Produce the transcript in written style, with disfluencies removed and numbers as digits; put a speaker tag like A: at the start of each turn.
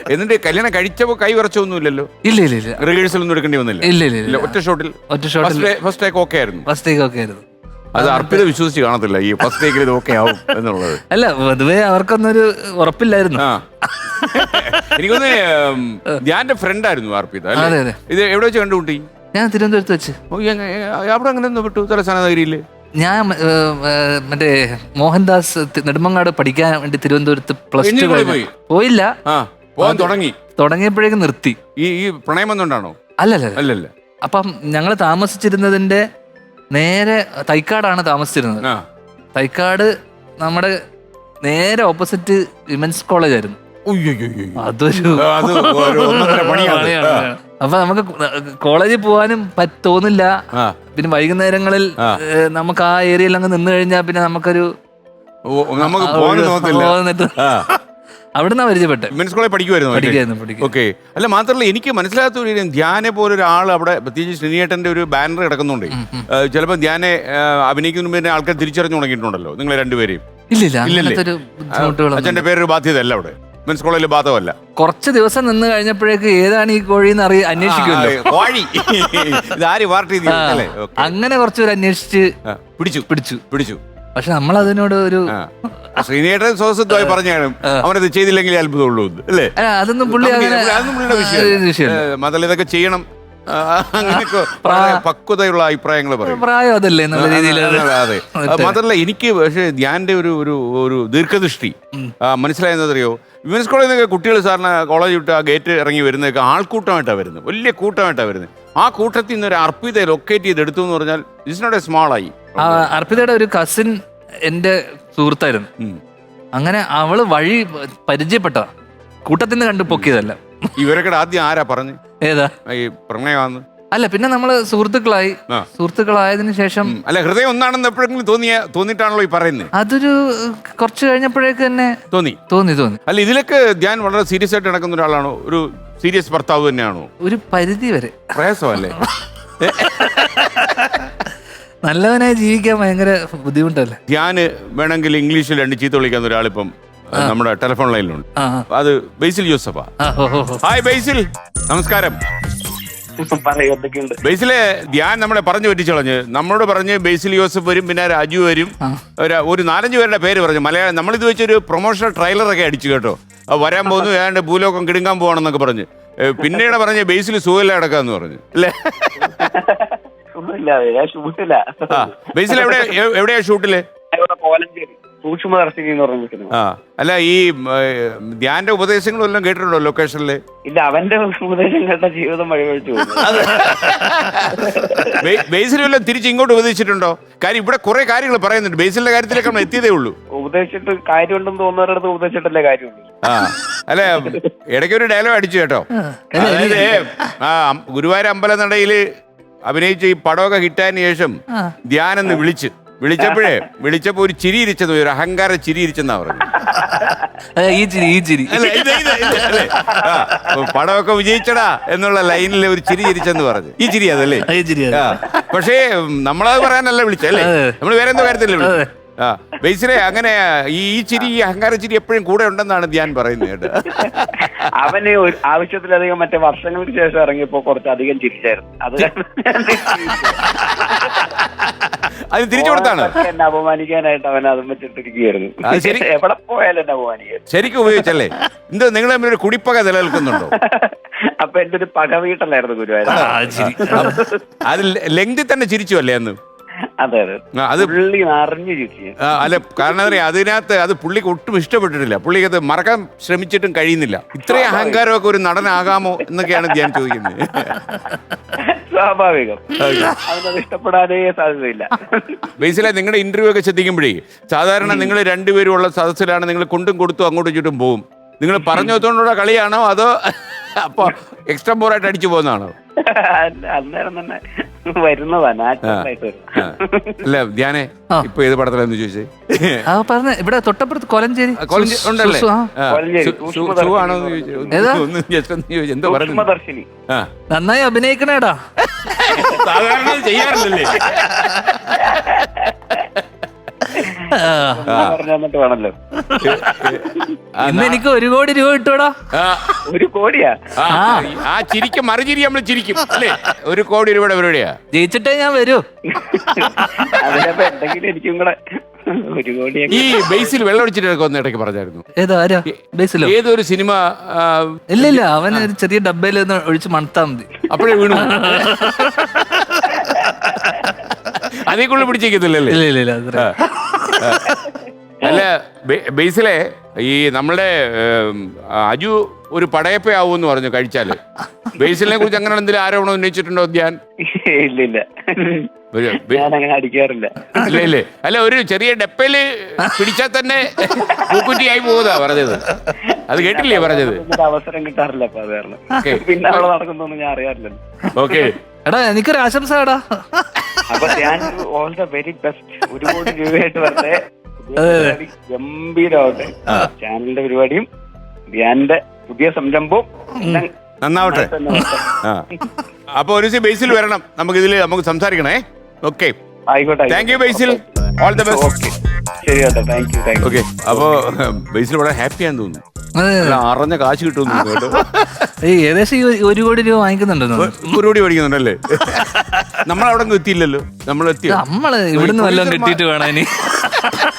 A: എന്നിട്ട് കല്യാണം കഴിച്ചപ്പോ കൈ വിറച്ചൊന്നുമില്ലല്ലോ?
B: ഇല്ല ഇല്ല ഇല്ല,
A: റിഹേഴ്സൽ ഒന്നും എടുക്കേണ്ടി വന്നില്ല?
B: ഇല്ല ഇല്ല ഇല്ല,
A: ഒറ്റ ഷോട്ടിൽ ഫസ്റ്റ് ടേക്ക് ഓക്കെ ആയിരുന്നു.
B: ഫസ്റ്റ് ടേക്ക് ഓക്കെ ആയിരുന്നു.
A: അത് അർപ്പിത വിശ്വസിച്ച് കാണത്തില്ല ഈ ഫസ്റ്റ് ടേക്കിൽ ഇത് ഓക്കെ ആവും എന്നുള്ളത്.
B: അല്ല, പൊതുവെ അവർക്കൊന്നൊരു ഉറപ്പില്ലായിരുന്നു.
A: എനിക്കൊന്ന് ധ്യാന്റെ ഫ്രണ്ട് ആയിരുന്നു അർപ്പിത.
B: അതെ അതെ.
A: ഇത് എവിടെ വെച്ച് കണ്ടുമുട്ടി?
B: ഞാൻ തിരുവനന്തപുരത്ത് വെച്ച്.
A: അവിടെ അങ്ങനെ ഒന്ന് വിട്ടു തലസ്ഥാന നഗരിയില്?
B: ഞാൻ മറ്റേ മോഹൻദാസ് നെടുമങ്ങാട് പഠിക്കാൻ വേണ്ടി തിരുവനന്തപുരത്ത് +2 പോയില്ല. തുടങ്ങിയപ്പോഴേക്കും നിർത്തി.
A: ഈ പ്രണയം വന്നോണ്ടാണോ?
B: അല്ലല്ല. അപ്പം ഞങ്ങൾ താമസിച്ചിരുന്നതിന്റെ നേരെ തൈക്കാടാണ് താമസിച്ചിരുന്നത്. തൈക്കാട് നമ്മുടെ നേരെ ഓപ്പോസിറ്റ് വിമൻസ് കോളേജ് ആയിരുന്നു. അതൊരു അപ്പൊ നമുക്ക് കോളേജിൽ പോകാനും തോന്നില്ല. പിന്നെ വൈകുന്നേരങ്ങളിൽ നമുക്ക് ആ ഏരിയയിൽ അങ്ങ് നിന്ന് കഴിഞ്ഞാൽ പിന്നെ നമുക്കൊരു അവിടുന്ന് പരിചയപ്പെട്ടെ.
A: വിമൻസ് കോളേജ് പഠിക്കുമായിരുന്നു. ഓക്കെ. അല്ല, മാത്രമല്ല എനിക്ക് മനസ്സിലാത്ത ഒരു കാര്യം, ധ്യാനെ പോലെ ഒരാൾ അവിടെ, പ്രത്യേകിച്ച് ശ്രീനിയേട്ടന്റെ ഒരു ബാനർ കിടക്കുന്നുണ്ട്. ചിലപ്പോൾ ധ്യാനെ അഭിനയിക്കുന്ന മുമ്പേ ആൾക്കാർ തിരിച്ചറിഞ്ഞു തുടങ്ങിയിട്ടുണ്ടല്ലോ നിങ്ങളെ രണ്ടുപേരെയും? അച്ഛന്റെ പേരൊരു ബാധ്യതയല്ല അവിടെ, വിമൻസ് കോളേജിൽ ബാധകമല്ല.
B: കുറച്ച് ദിവസം നിന്ന് കഴിഞ്ഞപ്പോഴേക്ക് ഏതാണ് ഈ കോഴി എന്ന് അന്വേഷിക്കുമല്ലോ. അങ്ങനെ കുറച്ചൊരു അന്വേഷിച്ച് പിടിച്ചു. പക്ഷെ നമ്മൾ അതിനോട് ഒരു
A: ശ്രീനിയേട്ടൻ സ്വസ്ഥമായി പറഞ്ഞാണ് അവനത് ചെയ്തില്ലെങ്കിൽ അത്ഭുതമുള്ളൂ അല്ലേ?
B: അതൊന്നും പുള്ളിയുടെ
A: വിഷയം. മാത്രമല്ല ഇതൊക്കെ ചെയ്യണം, അങ്ങനെയൊക്കെ പക്വതയുള്ള അഭിപ്രായങ്ങൾ പറയും.
B: പ്രായം അതല്ലേ എന്നുള്ള രീതിയിൽ.
A: അതെ. മാത്രമല്ല എനിക്ക് പക്ഷേ ധ്യാന്റെ ഒരു ദീർഘദൃഷ്ടി മനസ്സിലായെന്നറിയോ? വിമൻസ് കോളേജിൽ നിന്നൊക്കെ കുട്ടികൾ സാറിന് കോളേജ് വിട്ട് ആ ഗേറ്റ് ഇറങ്ങി വരുന്നതൊക്കെ ആൾക്കൂട്ടമായിട്ടാണ് വരുന്നത്, വലിയ കൂട്ടമായിട്ടാണ് വരുന്നത്. ആ കൂട്ടത്തിൽ നിന്ന് ഒരു അർപ്പിതയെ ലൊക്കേറ്റ് ചെയ്ത് എടുത്തു എന്ന് പറഞ്ഞാൽ ഇറ്റ്സ് നോട്ട് എ സ്മാൾ ആയി.
B: അർപ്പിതയുടെ ഒരു കസിൻ എന്റെ സുഹൃത്തായിരുന്നു. അങ്ങനെ അവള് വഴി പരിചയപ്പെട്ട കൂട്ടത്തിൽ നിന്ന് കണ്ടു പൊക്കിയതല്ല.
A: ഇവരൊക്കെ ആദ്യം ആരാ പറഞ്ഞു
B: ഏതാ
A: ഈ പ്രണയമാണെന്ന്?
B: അല്ല, പിന്നെ നമ്മള് സുഹൃത്തുക്കളായതിനു ശേഷം.
A: അല്ല, ഹൃദയം ഒന്നാണെന്ന് എപ്പോഴെങ്കിലും തോന്നിയിട്ടാണല്ലോ ഈ പറയുന്നത്?
B: അതൊരു കുറച്ച് കഴിഞ്ഞപ്പോഴേക്ക് തന്നെ തോന്നി.
A: അല്ല, ഇതിലൊക്കെ ധ്യാൻ വളരെ സീരിയസ് ആയിട്ട് നടക്കുന്ന ഒരാളാണോ? ഒരു സീരിയസ് ഭർത്താവ് തന്നെയാണോ?
B: ഒരു പരിധി വരെ.
A: പ്രയാസമല്ലേ?
B: നല്ലവനായി ജീവിക്കാൻ ഭയങ്കര ബുദ്ധിമുട്ടല്ലേ?
A: ധ്യാന് വേണമെങ്കിൽ ഇംഗ്ലീഷിൽ 2 ചീത്ത വിളിക്കുന്ന ഒരാളിപ്പം നമ്മുടെ ടെലിഫോൺ ലൈനിലുണ്ട്. അത് ബേസിൽ ജോസഫാ. ഹായ് ബേസിൽ, നമസ്കാരം. ബേസിലെ ധ്യാൻ നമ്മളെ പറഞ്ഞു പറ്റിച്ചു കളഞ്ഞ്. നമ്മളോട് പറഞ്ഞ് ബേസിൽ ജോസഫ് വരും, പിന്നെ രാജു വരും, ഒരു 4-5 പേരുടെ പേര് പറഞ്ഞു. മലയാളം നമ്മളിത് വെച്ചൊരു പ്രൊമോഷണൽ ട്രെയിലറൊക്കെ അടിച്ചു കേട്ടോ. വരാൻ പോകുന്നു, ഏതാണ്ട് ഭൂലോകം കിടുങ്ങാൻ പോവാണെന്നൊക്കെ പറഞ്ഞ്. പിന്നീട് പറഞ്ഞ് ബേസിൽ സുഖമില്ല കിടക്കാന്ന് പറഞ്ഞു അല്ലേ? ബേസിൽ എവിടെയാ ഷൂട്ടില്?
C: സൂക്ഷ്മദർശിനി എന്ന് പറഞ്ഞു.
A: അല്ല, ഈ ധ്യാന്റെ ഉപദേശങ്ങളും എല്ലാം കേട്ടിട്ടുണ്ടോ ലൊക്കേഷനില്?
C: ഇല്ല, അവന്റെ ഉപദേശം കേട്ട ജീവിതം വഴിവഴിച്ചു.
A: ബേസിൽ വല്ലതും തിരിച്ച് ഇങ്ങോട്ട് ഉപദേശിച്ചിട്ടുണ്ടോ? കാര്യം ഇവിടെ കുറെ കാര്യങ്ങൾ പറയുന്നുണ്ട്. ബേസിലിന്റെ കാര്യത്തിലേക്ക് നമ്മൾ എത്തിയതേ ഉള്ളൂ.
C: ഉപദേശിച്ചിട്ട് കാര്യമുണ്ടെന്ന് തോന്നുന്നവരടുത്ത് ഉപദേശിച്ചിട്ടല്ലേ കാര്യമുള്ളൂ.
A: അല്ല, ഇടയ്ക്ക് ഒരു ഡയലോഗ് അടിച്ചു കേട്ടോ. അതായത് ഗുരുവായൂർ അമ്പലനടയില് അഭിനയിച്ച ഈ പടമൊക്കെ ഹിറ്റായതിനു ശേഷം ധ്യാനെന്ന് വിളിച്ചപ്പോ ഒരു ചിരി ഇരിച്ചെന്ന്, ഒരു അഹങ്കാര ചിരി ഇരിച്ചെന്നാ പറഞ്ഞു. പടമൊക്കെ വിജയിച്ചടാ എന്നുള്ള ലൈനിൽ ഒരു ചിരി ഇരിച്ചെന്ന് പറഞ്ഞു. ഈ ചിരി അതല്ലേ? പക്ഷേ നമ്മളത് പറയാനല്ല വിളിച്ചല്ലേ, നമ്മൾ വേറെ എന്തോ കാര്യത്തിലല്ലേ വിളിച്ചത്. ബേസിലെ അങ്ങനെ ഈ ചിരി, ഈ അഹങ്കാര ചിരി എപ്പോഴും കൂടെ ഉണ്ടെന്നാണ് ധ്യാൻ പറയുന്നത് കേട്ടോ.
C: അവന് ആവശ്യത്തിലധികം മറ്റേ വർഷങ്ങൾക്ക് ശേഷം ഇറങ്ങിയപ്പോ കുറച്ചധികം ചിരിച്ചായിരുന്നു.
A: അത് തിരിച്ചു കൊടുത്താണ്.
C: എന്നെ അപമാനിക്കാനായിട്ട് അവൻ അതും വെച്ചിട്ടിരിക്കുകയായിരുന്നു. എവിടെ പോയാലും എന്നെ അപമാനിക്കാൻ
A: ശരിക്കും ഉപയോഗിച്ചല്ലേ? എന്തോ നിങ്ങൾ തമ്മിൽ ഒരു കുടിപ്പക നിലനിൽക്കുന്നുണ്ടോ?
C: അപ്പൊ എന്റെ ഒരു പക വീട്ടല്ലായിരുന്നു ഗുരുവായൂർ.
A: അത് ലെങ്തി തന്നെ ചിരിച്ചു അല്ലേ അന്ന്?
C: അതെ അതെ, അത് പുള്ളി അറിഞ്ഞു ചിരിച്ചു.
A: അല്ല, കാരണം എന്താ, അതിനകത്ത് അത് പുള്ളിക്ക് ഒട്ടും ഇഷ്ടപ്പെട്ടിട്ടില്ല. പുള്ളിക്ക് അത് മറക്കാൻ ശ്രമിച്ചിട്ടും കഴിയുന്നില്ല. ഇത്രയും അഹങ്കാരമൊക്കെ ഒരു നടനാകാമോ എന്നൊക്കെയാണ് ഞാൻ ചോദിക്കുന്നത്.
C: സ്വാഭാവികം, അവനത് ഇഷ്ടപ്പെടാനേ സാധ്യതയില്ല.
A: ബേസിലെ നിങ്ങളുടെ ഇന്റർവ്യൂ ഒക്കെ ശ്രദ്ധിക്കുമ്പോഴേ സാധാരണ നിങ്ങൾ രണ്ടുപേരും ഉള്ള സദസ്സിലാണ് നിങ്ങൾ കൊണ്ടും കൊടുത്തും അങ്ങോട്ടും ഇങ്ങോട്ടും പോകും. നിങ്ങൾ പറഞ്ഞു വെച്ചോണ്ടുള്ള കളിയാണോ അതോ അപ്പൊ എക്സ്ട്രാ ബോറായിട്ട് അടിച്ചു പോകുന്നതാണോ?
C: അന്നേരം തന്നെ വരുന്നതാ, നാച്ചുറലായിട്ട്.
A: അല്ല ധ്യാനെ, ഇപ്പൊ ഏത് പടത്തിലാന്ന് ചോദിച്ചേ?
B: ഇവിടെ തൊട്ടപ്പുറത്ത് കൊലഞ്ചേരി
A: ഉണ്ടല്ലേ?
C: എന്തോ പറഞ്ഞു.
B: നന്നായി അഭിനയിക്കണേടാ.
A: സാധാരണ ചെയ്യാറില്ലല്ലേ?
C: പറഞ്ഞു തന്നിട്ട് വേണല്ലോ.
B: ഇന്ന് എനിക്ക് 1 കോടി രൂപ കിട്ടൂടാ.
C: 1 കോടിയാ?
A: ആ ചിരിക്കും മറുചിരി നമ്മൾ ചിരിക്കും അല്ലേ? 1 കോടി രൂപയുടെ പരിപാടിയാ.
B: ജയിച്ചിട്ടേ ഞാൻ വരൂ.
C: അതിനപ്പോ എന്തെങ്കിലും എനിക്കും കൂടെ 1 കോടി.
A: ഈ ബേസിൽ വെള്ളം ഒഴിച്ചിട്ടൊക്കെ ഒന്ന് ഇടയ്ക്ക് പറഞ്ഞായിരുന്നു.
B: ഏതോ ആരാ ബേസിലോ?
A: ഏതൊരു സിനിമ?
B: ഇല്ല അവൻ ഒരു ചെറിയ ഡബ്ബയിൽ ഒന്ന് ഒഴിച്ച് മണത്താ മതി,
A: അപ്പോഴേ വീണു. അതേ കൂടുതൽ പിടിച്ചേക്കത്തില്ലല്ലേ?
B: ഇല്ല അത്ര.
A: അല്ല ബേസിലെ ഈ നമ്മളുടെ അജു ഒരു പടയപ്പയാവൂന്ന് പറഞ്ഞു കഴിച്ചാല്. ബേസിലിനെ കുറിച്ച് അങ്ങനെ എന്തെങ്കിലും ആരോപണം ഉന്നയിച്ചിട്ടുണ്ടോ ധ്യാൻ?
C: ഇല്ല ഞാൻ അങ്ങനെ അടിക്കാറില്ല.
A: ഇല്ലേ? അല്ല ഒരു ചെറിയ ഡപ്പയില് പിടിച്ചാൽ തന്നെ പൂക്കുറ്റിയായി പോകുന്നതാ പറഞ്ഞത്. അത് കേട്ടില്ലേ പറഞ്ഞത്?
C: അവസരം കിട്ടാറില്ല അപ്പൊ അത് കാരണം. പിന്നെ അവിടെ നടക്കുന്നൊന്നും ഞാൻ അറിയാറില്ലല്ലോ.
A: ഓക്കെ
B: എടാ എനിക്കൊരു ആശംസ എടാ.
C: അപ്പൊ ഞാൻ ഓൾ ദ വെരി ബെസ്റ്റ്. 1 കോടി രൂപയായിട്ട് വരട്ടെ. ഗംഭീരമാവട്ടെ ചാനലിന്റെ പരിപാടിയും ധ്യാന്റെ പുതിയ സംരംഭവും
A: നന്നാവട്ടെ. അപ്പൊ ഒരു ദിവസം ബേസിൽ വരണം, നമുക്ക് സംസാരിക്കണേ. ഓക്കെ
C: ആയിക്കോട്ടെ.
A: Thank you Basil, all the best.
C: ശരി കേട്ടോ, താങ്ക് യു.
A: ഓക്കെ അപ്പൊ ബേസിൽ വളരെ ഹാപ്പിയാന്ന് തോന്നുന്നു. അറിഞ്ഞ കാശ് കിട്ടുമെന്ന് കേട്ടോ.
B: ഏകദേശം 1 കോടി രൂപ വാങ്ങിക്കുന്നുണ്ടെന്ന്.
A: 1 കോടി മേടിക്കുന്നുണ്ടല്ലേ? നമ്മളവിടെ എത്തിയില്ലല്ലോ. നമ്മൾ എത്തിയോ?
B: നമ്മള് ഇവിടുന്ന് വല്ലതും കിട്ടിയിട്ട് വേണം ഇനി.